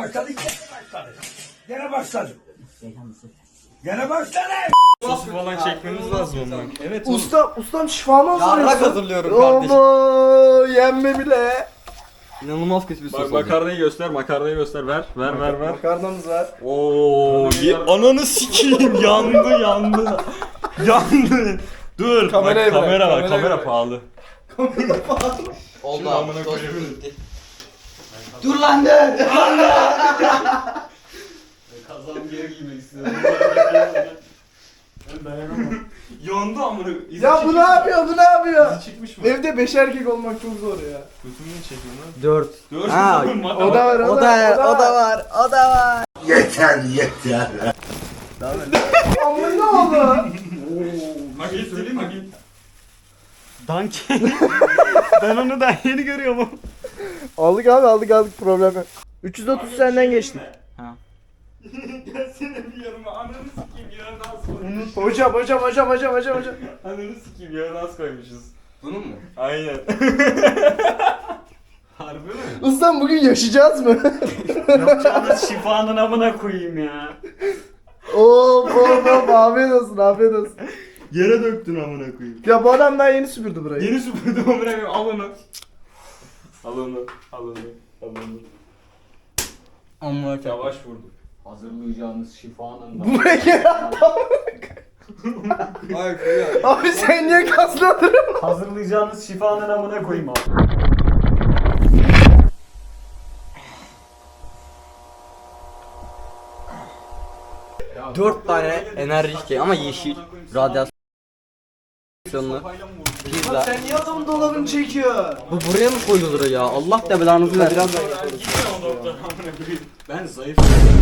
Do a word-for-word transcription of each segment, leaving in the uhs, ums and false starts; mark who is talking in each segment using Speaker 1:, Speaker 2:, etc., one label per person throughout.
Speaker 1: başladı, gene başladı. Gene başladı. Gene başladı.
Speaker 2: Sosu falan çekmemiz lazım ondan. Evet.
Speaker 3: Usta, ustam şifamı hazırlıyorsun.
Speaker 4: Yarrak hazırlıyorum kardeşim.
Speaker 3: Ama yenme bile.
Speaker 4: İnanılmaz kötü bir sos
Speaker 2: Bak
Speaker 4: olacak.
Speaker 2: makarnayı göster, makarnayı göster. Ver, ver, ver, ver.
Speaker 3: Makarnamız var.
Speaker 2: Oo, ye- ananı sikeyim. Yandı, yandı. Yandı. Dur.
Speaker 3: Kameraya
Speaker 2: bak,
Speaker 3: bırak,
Speaker 2: kamera var,
Speaker 3: kameraya
Speaker 2: kamera
Speaker 3: bırak.
Speaker 2: pahalı.
Speaker 4: Oldu
Speaker 2: Şimdi
Speaker 4: abi.
Speaker 2: amına
Speaker 4: Sos
Speaker 2: koyayım.
Speaker 4: bitti. Dur lan dur.
Speaker 2: Kazağım geri giymek istiyorum. Ben dayanamam. Yandı amına. İzi
Speaker 3: Ya bu
Speaker 2: çıkmış
Speaker 3: ne
Speaker 2: mı?
Speaker 3: yapıyor? Bu ne yapıyor?
Speaker 2: İzi çıkmış mı?
Speaker 3: Evde beş erkek olmak çok zor ya.
Speaker 2: Götümü niye çekiyorsun lan?
Speaker 4: Dört.
Speaker 2: Dört
Speaker 4: Ha,
Speaker 2: zaman
Speaker 3: O da var,
Speaker 4: O da, o da var, o da var.
Speaker 1: Yeter yeter.
Speaker 3: Amma ne oldu?
Speaker 2: Magit söyleyeyim mi? Magit.
Speaker 5: Danke. Ben onu daha yeni görüyorum.
Speaker 3: Aldık abi aldık aldık problem yok. üç yüz otuz senden geçtik.
Speaker 2: Gelsene bir yanıma. Ananı sikeyim yarın az koymuşuz.
Speaker 3: Hocam hocam hocam hocam hocam hocam.
Speaker 2: Ananı sikeyim yarın az koymuşuz.
Speaker 4: Bunun mu?
Speaker 2: Aynen. Harbi mi?
Speaker 3: Ustam bugün yaşayacağız mı?
Speaker 5: Yapacağınız şifanın amına koyayım ya.
Speaker 3: Of of of afiyet olsun afiyet olsun.
Speaker 5: Yere döktün amına koyayım.
Speaker 3: Ya bu adam daha yeni süpürdü burayı.
Speaker 2: Yeni süpürdüm amına koyayım. Al onu. Al onu. Al onu. Al onu.
Speaker 4: Amma çok.
Speaker 2: Yavaş vurdum.
Speaker 4: Hazırlayacağınız şifanın da.
Speaker 3: Buraya gel.
Speaker 4: Hayır ya.
Speaker 3: Abi sen niye kasladın?
Speaker 5: Hazırlayacağınız şifanın amına koyayım abi.
Speaker 4: Dört tane enerji içeceği ama yeşil. Radyasyonlu. Pizza.
Speaker 3: Sen niye adamın dolabını çekiyor?
Speaker 4: Bu buraya mı koyulur ya? Allah da belanızı versin.
Speaker 2: Ben zayıf.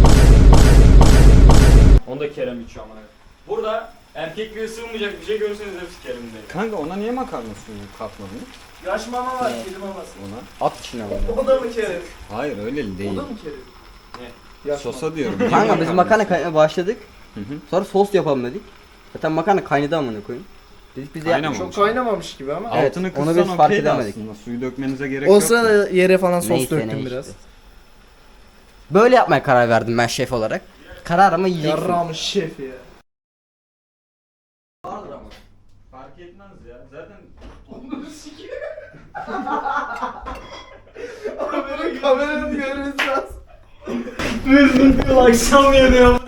Speaker 2: Onu da Kerem içiyor amına. Burada erkekliğe sığmayacak bir şey görürseniz hepsi Kerem'de.
Speaker 5: Kanka ona niye makarna suyu katmadın?
Speaker 3: Yaş mama var, kedi maması.
Speaker 5: Ona.
Speaker 4: At içine bunu.
Speaker 3: O da mı Kerim?
Speaker 5: Hayır öyle değil.
Speaker 3: O da mı Kerim? Yaş
Speaker 5: Sosa diyorum.
Speaker 4: Kanka biz makarna kaynamaya başladık.
Speaker 5: Hı hı.
Speaker 4: Sonra sos yapalım dedik. Zaten makarna kaynadı amına koyayım. Dedik biz de
Speaker 5: Kaynamamış.
Speaker 3: Çok kaynamamış gibi ama.
Speaker 4: Evet,
Speaker 5: Altını
Speaker 4: onu
Speaker 5: kıssan
Speaker 4: biz fark
Speaker 5: okeydi
Speaker 4: edemedik.
Speaker 5: aslında. Suyu dökmenize gerek
Speaker 3: O
Speaker 5: yok.
Speaker 3: sırada yere falan sos
Speaker 4: Neyse,
Speaker 3: döktüm
Speaker 4: neyse.
Speaker 3: biraz.
Speaker 4: Böyle yapmaya karar verdim ben şef olarak. Kararımı yiyeceksin.
Speaker 3: Yarrağımın şefi ya.
Speaker 5: Fark etmez ya. Zaten
Speaker 3: Benim kameranın görmesi lazım.
Speaker 5: akşam yanıyor.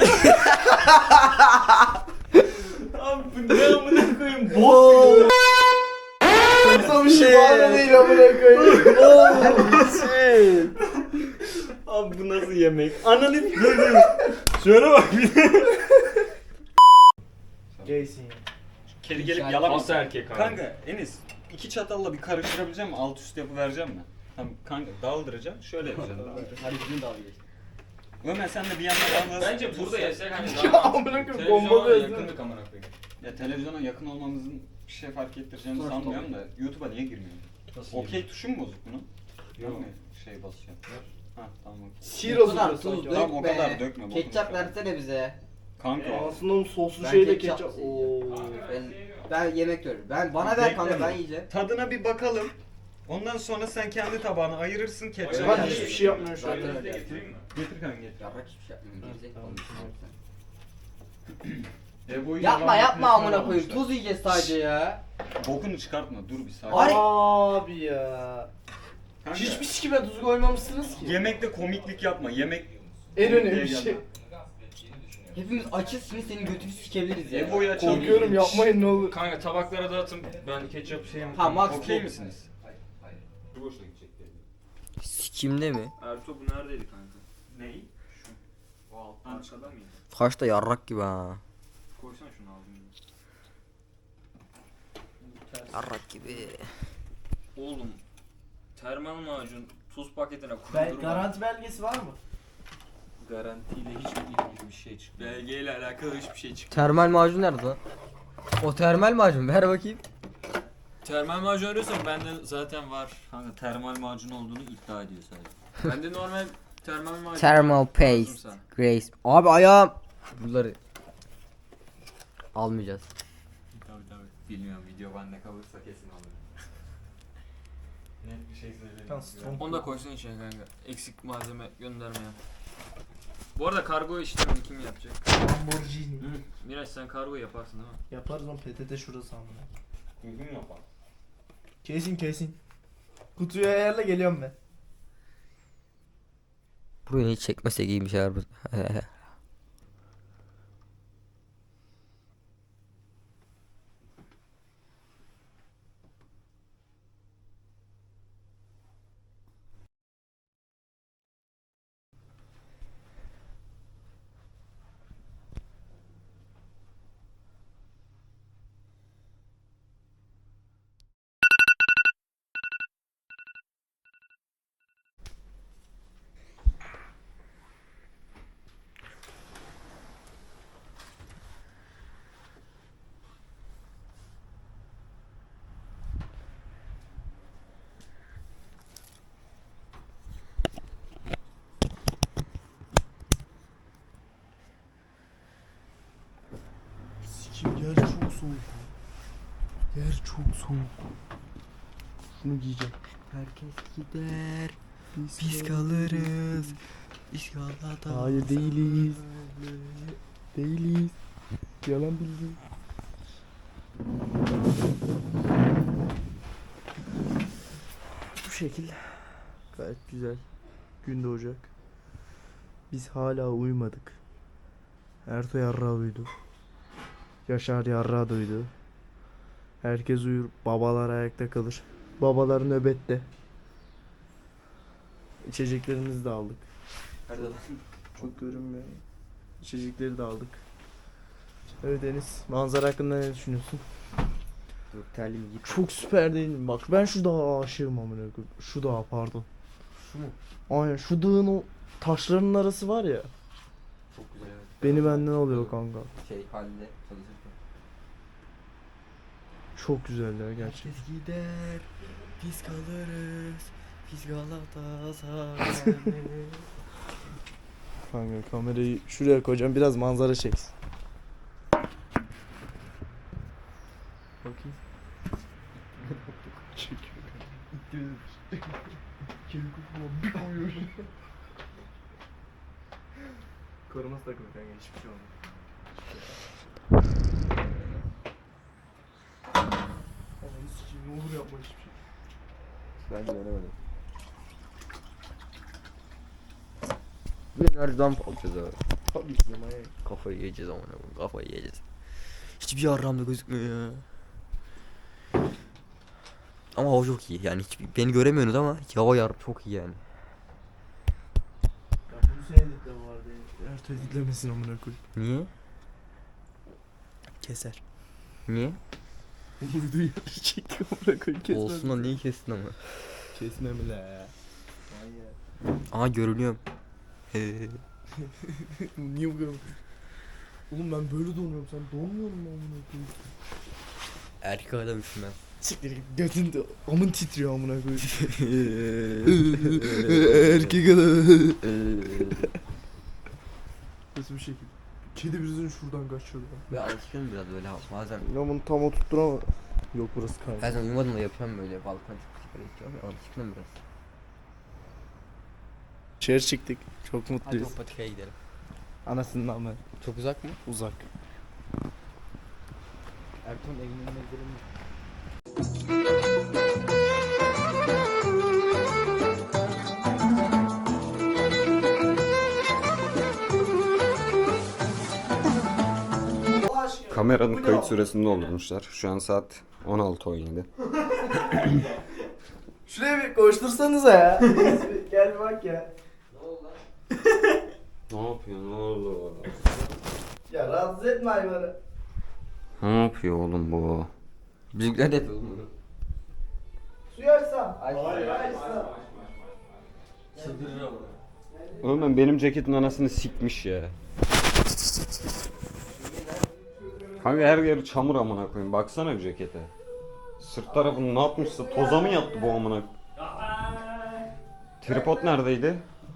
Speaker 5: Abi bu ne amına koyayım? Bok.
Speaker 3: Yoksa bir şey var da değil amına koyayım.
Speaker 5: Abi bu nasıl yemek? Ananı dur dur. Şöyle bak bir de.
Speaker 3: Gaysin ya.
Speaker 2: Kedi gelip yalamazsa
Speaker 5: Nasıl
Speaker 2: erkek abi.
Speaker 5: Kanka Enis iki çatalla bir karıştırabileceğim mi? Alt üst yapıvereceğim mi? Tamam kanka daldıracağım. Şöyle yapacağım.
Speaker 4: Hadi bizim dalga geç.
Speaker 5: Ömer sen de bir yandan dalga.
Speaker 2: Bence burada yesek hani
Speaker 3: Ya
Speaker 2: daha
Speaker 3: amına koyayım,
Speaker 2: televizyona
Speaker 3: bomba bezdi.
Speaker 2: yakındık amına koyayım.
Speaker 5: Ya televizyona yakın olmamızın bir şey fark ettireceğini sanmıyorum da YouTube'a niye girmiyor? Okey tuşu mu bozuk bunun? Yok mu şey basacağım? Ha tamam okey.
Speaker 3: Sir
Speaker 4: O kadar
Speaker 3: hazırlıyor
Speaker 4: tuz
Speaker 3: sanki.
Speaker 5: Tamam, o
Speaker 4: dökme.
Speaker 5: kadar dökme, bokunu
Speaker 4: Ketçap
Speaker 5: çıkar.
Speaker 4: versene bize.
Speaker 5: Kanka o.
Speaker 3: Aslında o soslu
Speaker 4: Ben
Speaker 3: şeyde
Speaker 4: ketçap
Speaker 3: ketçap.
Speaker 4: seviyorum.
Speaker 3: Oo.
Speaker 4: Ben, ben yemek yiyorum. Ben bana ver kanka
Speaker 5: Bekleme.
Speaker 4: ben yiyeceğim.
Speaker 5: Tadına bir bakalım. Ondan sonra sen kendi tabağına ayırırsın ketçap.
Speaker 3: Ben hiçbir şey yapmıyorum şu an.
Speaker 4: Zaten öyle.
Speaker 5: Getir kanka getir.
Speaker 4: Yaprak hiçbir şey yapmıyorum. Gerizekalı mısın?
Speaker 5: E, bu
Speaker 4: Yapma
Speaker 5: yalan
Speaker 4: yapma
Speaker 5: makinesine
Speaker 4: amına koyayım.
Speaker 5: almışlar.
Speaker 4: Tuz yiyeceğiz sadece ya.
Speaker 5: Bokunu çıkartma dur bir saniye.
Speaker 4: Ay.
Speaker 3: Abi ya.
Speaker 5: Kanka,
Speaker 3: Hiçbir sikime tuz koymamışsınız ki.
Speaker 5: yemekte komiklik yapma. Yemek
Speaker 3: En önemli
Speaker 5: komikliğe
Speaker 3: şey.
Speaker 5: gelme.
Speaker 4: Hepimiz açız şimdi senin götünü sikebiliriz ya.
Speaker 5: Ebo'yu açalım.
Speaker 3: Korkuyorum yapmayın ne olur.
Speaker 2: Kanka tabaklara dağıtın. Ben ketçap şey yapayım.
Speaker 4: Ha Max
Speaker 5: Okey
Speaker 4: bu.
Speaker 5: misiniz?
Speaker 2: Bu boşuna gidecek dedi.
Speaker 4: Sikimde mi?
Speaker 2: Ertuğ bu neredeydi kanka?
Speaker 5: Ney?
Speaker 2: O alttan arkada mıydı?
Speaker 4: Kaşta yarrak gibi ha.
Speaker 2: Koysana şunu ağzına.
Speaker 4: Yarrak gibi.
Speaker 2: Oğlum termal macun tuz paketine
Speaker 3: Ben,
Speaker 2: kurdurma.
Speaker 3: garanti belgesi var mı?
Speaker 2: Garantiyle hiçbir ilgili bir şey çıkmıyor. Belgeyle alakalı hiçbir şey çıkmıyor.
Speaker 4: Termal macun nerede lan? O termal macun ver bakayım.
Speaker 2: Termal macun arıyorsan bende zaten var.
Speaker 5: Kanka termal macun olduğunu iddia ediyor sadece.
Speaker 2: Bende normal termal macun.
Speaker 4: Thermal paste.
Speaker 2: Lazımsa.
Speaker 4: Grace. Abi ayağım. Bunları almayacağız.
Speaker 5: Tabii tabii. Bilmiyorum video bende kalırsa kesin alırım. Net bir şey söyleyeyim.
Speaker 3: Tamam, strong.
Speaker 2: Onu da koysun içine kanka. Eksik malzeme göndermeyen. Bu arada kargo işlemini kim yapacak?
Speaker 3: Lamborghini.
Speaker 2: Miraç sen kargo yaparsın değil mi?
Speaker 3: Yaparız lan P T T şurası amına.
Speaker 5: Düzgün yapar.
Speaker 3: Kesin kesin. Kutuyu ayarla geliyorum ben.
Speaker 4: Burayı hiç çekmesek iyi bir şeyler.
Speaker 3: Sikim yer çok soğuk. Yer çok soğuk. Şunu giyeceğim.
Speaker 4: Herkes gider.
Speaker 3: Biz,
Speaker 4: Biz kalırız. Biz Galata.
Speaker 3: Hayır değiliz. Değiliz. Yalan bilgi. Bu şekil. Gayet güzel. Gün doğacak. Biz hala uyumadık. Erto yarrağı uyudu. Yaşar yarrağı duydu. Herkes uyur. Babalar ayakta kalır. Babalar nöbette. İçeceklerimizi de aldık.
Speaker 4: Nerede lan?
Speaker 3: Çok görünmüyor. İçecekleri de aldık. Evet Deniz, manzara hakkında ne düşünüyorsun?
Speaker 4: Dur terliğimi git.
Speaker 3: Çok süper değil mi? Bak ben şu dağa aşığım amına koyayım. Şu dağa pardon.
Speaker 4: Şu mu?
Speaker 3: Aynen şu dağın o taşların arası var ya.
Speaker 4: Çok güzel evet.
Speaker 3: Beni benden alıyor kanka.
Speaker 4: Şey halinde çalışırken.
Speaker 3: Çok güzel ya gerçekten.
Speaker 4: Herkes gider. Biz kalırız. Biz Galatasaray.
Speaker 3: Kanka kamerayı şuraya koyacağım biraz manzara çeksin. Bakayım. Çekiyor kanka. Kirku falan bir koyuyor. Koruması takılı kanka hiçbir şey olmuyor. Ananı sikeyim ne olur yapma hiçbir şey.
Speaker 4: Ben göremedim. Bugün nereden alacağız abi?
Speaker 3: Tabii ki manyak.
Speaker 4: Kafayı yiyeceğiz ama kafayı yiyeceğiz. Hiçbir yarramda gözükmüyor ya. Ama hava çok iyi yani hiç beni göremiyorsunuz ama hava yar çok iyi yani.
Speaker 3: Ya bunu sen editle bu arada. Ertuğ editlemesin amına koy.
Speaker 4: Niye?
Speaker 3: Keser.
Speaker 4: Niye?
Speaker 3: Vurduğu yeri çekiyor amına koy kesmez.
Speaker 4: Olsun da niye kestin ama?
Speaker 3: Kesme mi la?
Speaker 4: Aa görünüyorum.
Speaker 3: Niye bu kadar? Oğlum ben böyle donuyorum sen donmuyor musun amına koyayım?
Speaker 4: Erkek adammışım ben.
Speaker 3: Siktir git götün de amın titriyor amına koyayım. Erkek adam. Nasıl bir şekil? Kedi birisini şuradan kaçırdı.
Speaker 4: Ve alışkınım biraz böyle bazen.
Speaker 3: Ya bunu tam oturtturama. Yok burası kanka.
Speaker 4: Bazen uyumadım da yapıyorum böyle balkona çıkıp sigara içiyorum ya alışkınım biraz.
Speaker 3: İçeri çıktık. Çok
Speaker 4: Hadi
Speaker 3: mutluyuz.
Speaker 4: o patikaya gidelim.
Speaker 3: Anasından ben.
Speaker 4: Çok uzak mı?
Speaker 3: Uzak.
Speaker 4: Ertuğrul evinin önüne gidelim mi?
Speaker 5: Kameranın kayıt süresini doldurmuşlar. Şu an saat on altı on yedi.
Speaker 3: Şuraya bir koştursanıza ya. Gel bak ya.
Speaker 5: Ne yapıyor? Ne oldu?
Speaker 3: Ya rahatsız etme hayvanı.
Speaker 5: Ne yapıyor oğlum bu?
Speaker 4: Bizimkiler de yapıyor oğlum bunu.
Speaker 3: Suyu açsam.
Speaker 4: Hayır
Speaker 3: açsam.
Speaker 4: Çıldırır ama.
Speaker 5: Oğlum ben benim ceketin anasını sikmiş ya. Kanka her yeri çamur amına koyayım. Baksana bir cekete. Sırt tarafını ne yapmışsa toza mı yattı bu amına? Tripod neredeydi?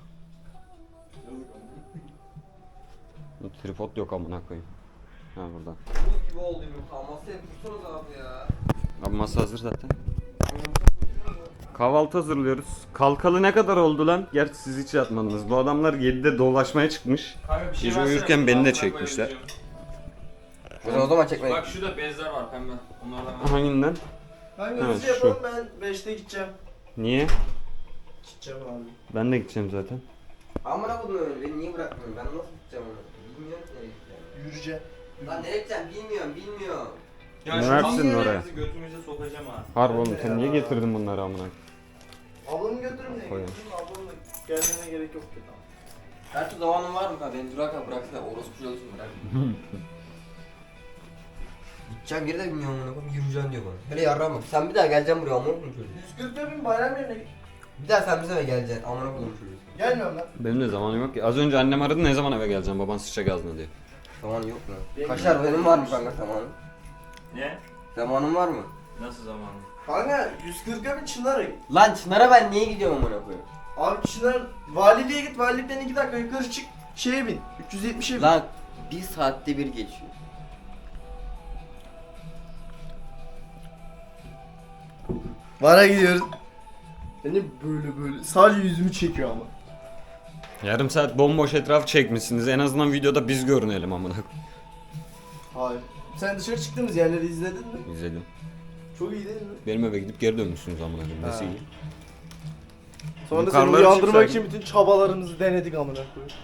Speaker 5: Tripod yok amına koyayım. Ha burada.
Speaker 4: Buz gibi oldu yumurta. Masaya kursanız abi ya.
Speaker 5: Abi masa hazır zaten. Kahvaltı hazırlıyoruz. Kalkalı ne kadar oldu lan? Gerçi siz hiç yatmadınız. Bu adamlar yedide dolaşmaya çıkmış.
Speaker 2: Kanka bir şey
Speaker 5: Gece
Speaker 2: versene,
Speaker 5: uyurken
Speaker 2: bunun
Speaker 5: beni de
Speaker 2: altına
Speaker 5: çekmişler.
Speaker 2: koyabileceğim.
Speaker 4: O zaman çekmeyin.
Speaker 2: Bak şurada bezler var pembe. Onlardan ver.
Speaker 5: Hanginden?
Speaker 3: Hangi
Speaker 5: Ha,
Speaker 3: hızlı
Speaker 5: şu.
Speaker 3: yapalım, ben beşte gideceğim.
Speaker 5: Niye?
Speaker 3: Gideceğim abi.
Speaker 5: Ben de gideceğim zaten.
Speaker 4: Amına koydum öyle. Beni niye bırakmıyorsun? Ben nasıl gideceğim onu? Bilmiyorum ki nereye gideceğim.
Speaker 3: Yürüyeceğim.
Speaker 4: Lan nereye gideceğim bilmiyorum bilmiyorum.
Speaker 2: Ya
Speaker 5: Ne
Speaker 2: şu
Speaker 5: versin
Speaker 2: kamyonları
Speaker 5: oraya?
Speaker 2: bizi götümüze sokacağım ha.
Speaker 5: Harbi oğlum sen niye getirdin bunları amına?
Speaker 3: Ablamı götürürüm de
Speaker 5: Koyun.
Speaker 3: götürürüm. Ablamla gelmene gerek yok ki tamam.
Speaker 4: Her türlü zamanın var mı kanka? Beni durarken bıraksana. Orospu çocuğusun bırak. Gideceğim geri de bilmiyorum amına koyayım. Yürüyeceğim diyor bana. Hele yarrağım bak. Sen bir daha geleceksin buraya amına koyayım çocuğu.
Speaker 3: yüz kırk bin bayram yerine git.
Speaker 4: Bir daha sen bize mi geleceksin amına koyayım çocuğu.
Speaker 3: Gelmiyorum lan.
Speaker 5: Benim de zamanım yok ki. Az önce annem aradı ne zaman eve geleceğim baban sıçacak ağzına diye.
Speaker 4: Zaman yok mu?
Speaker 3: Benim-
Speaker 4: Kaşar benim var mı kanka zamanın?
Speaker 2: Ne?
Speaker 4: Zamanın var mı?
Speaker 2: Nasıl zamanı?
Speaker 3: Kanka yüz kırka bin Çınar'a git.
Speaker 4: Lan Çınar'a ben niye gidiyorum amına koyayım?
Speaker 3: Abi Çınar valiliğe git. Valilikten iki dakika yukarı çık. Şeye bin. üç yüz yetmişe bin.
Speaker 4: Lan bir saatte bir geçiyor.
Speaker 3: Vara gidiyoruz. Beni böyle böyle sadece yüzümü çekiyor ama.
Speaker 5: Yarım saat bomboş etraf çekmişsiniz. En azından videoda biz görünelim amına.
Speaker 3: Hayır. Sen dışarı çıktığımız yerleri izledin mi?
Speaker 5: İzledim.
Speaker 3: Çok iyi değil mi?
Speaker 5: Benim eve gidip geri dönmüşsünüz amına koyayım. Nesi
Speaker 3: Ha.
Speaker 5: iyi?
Speaker 3: Sonra seni
Speaker 5: Yukarıları
Speaker 3: uyandırmak
Speaker 5: çıksaydın.
Speaker 3: için bütün çabalarımızı denedik amına koyayım.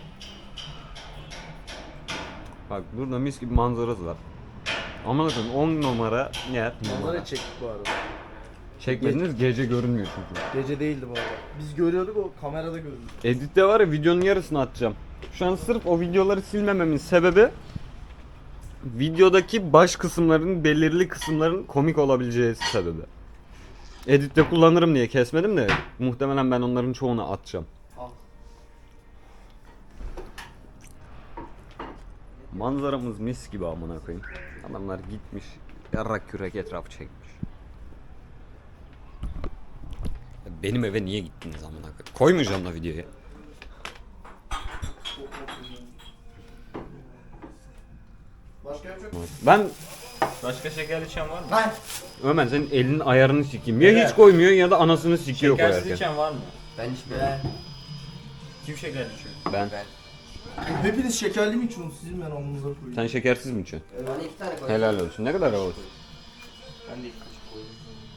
Speaker 5: Bak burada mis gibi manzarası var. Amına koyayım on numara yer. Numara.
Speaker 3: Onları çektik bu arada.
Speaker 5: Çekmediniz gece görünmüyor çünkü.
Speaker 3: Gece değildi bu arada. Biz görüyorduk, o kamerada görüyordu.
Speaker 5: Editte var ya videonun yarısını atacağım. Şu an sırf o videoları silmememin sebebi videodaki baş kısımların belirli kısımların komik olabileceği sebebi. Editte kullanırım diye kesmedim de muhtemelen ben onların çoğunu atacağım.
Speaker 3: Al.
Speaker 5: Manzaramız mis gibi amına koyayım. Adamlar gitmiş yarrak kürek etrafı çekmiş. Ya benim eve niye gittiniz amına koyayım? Koymayacağım da videoya.
Speaker 3: Başka yapacak mı?
Speaker 5: Ben
Speaker 2: Başka şeker içen var mı?
Speaker 3: Lan!
Speaker 5: Ömer senin elinin ayarını sikeyim. Ya
Speaker 2: Evet.
Speaker 5: hiç koymuyor ya da anasını sikiyor
Speaker 2: Şekersiz
Speaker 5: koyarken.
Speaker 2: içen var mı?
Speaker 4: Ben içmiyorum.
Speaker 2: Kim şeker içiyor?
Speaker 5: Ben.
Speaker 4: Ben.
Speaker 3: Hepiniz şekerli mi içiyorsunuz? Sizin ben alnınıza koyayım.
Speaker 5: Sen şekersiz mi içiyorsun?
Speaker 4: Bana iki tane koy.
Speaker 5: Helal olsun. Ne kadar havalı.
Speaker 2: Ben de ilk kaşık koydum.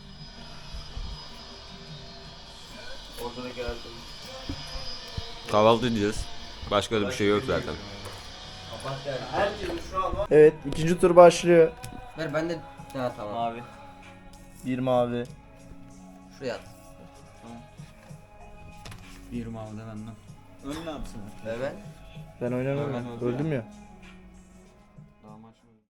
Speaker 2: Ortadaki herhalde.
Speaker 5: Kahvaltı edeceğiz. Başka da bir şey yok zaten.
Speaker 3: Herkesin şu an var. Evet, ikinci tur başlıyor.
Speaker 4: Ver ben de... Ha tamam.
Speaker 2: Mavi.
Speaker 3: Bir mavi.
Speaker 4: Şuraya at.
Speaker 2: Bir mavi de benden. Önüne atsın.
Speaker 4: Evet.
Speaker 3: Ben oynamam.
Speaker 2: Ben öldüm
Speaker 3: Öldüm ya.
Speaker 2: Daha maç mı?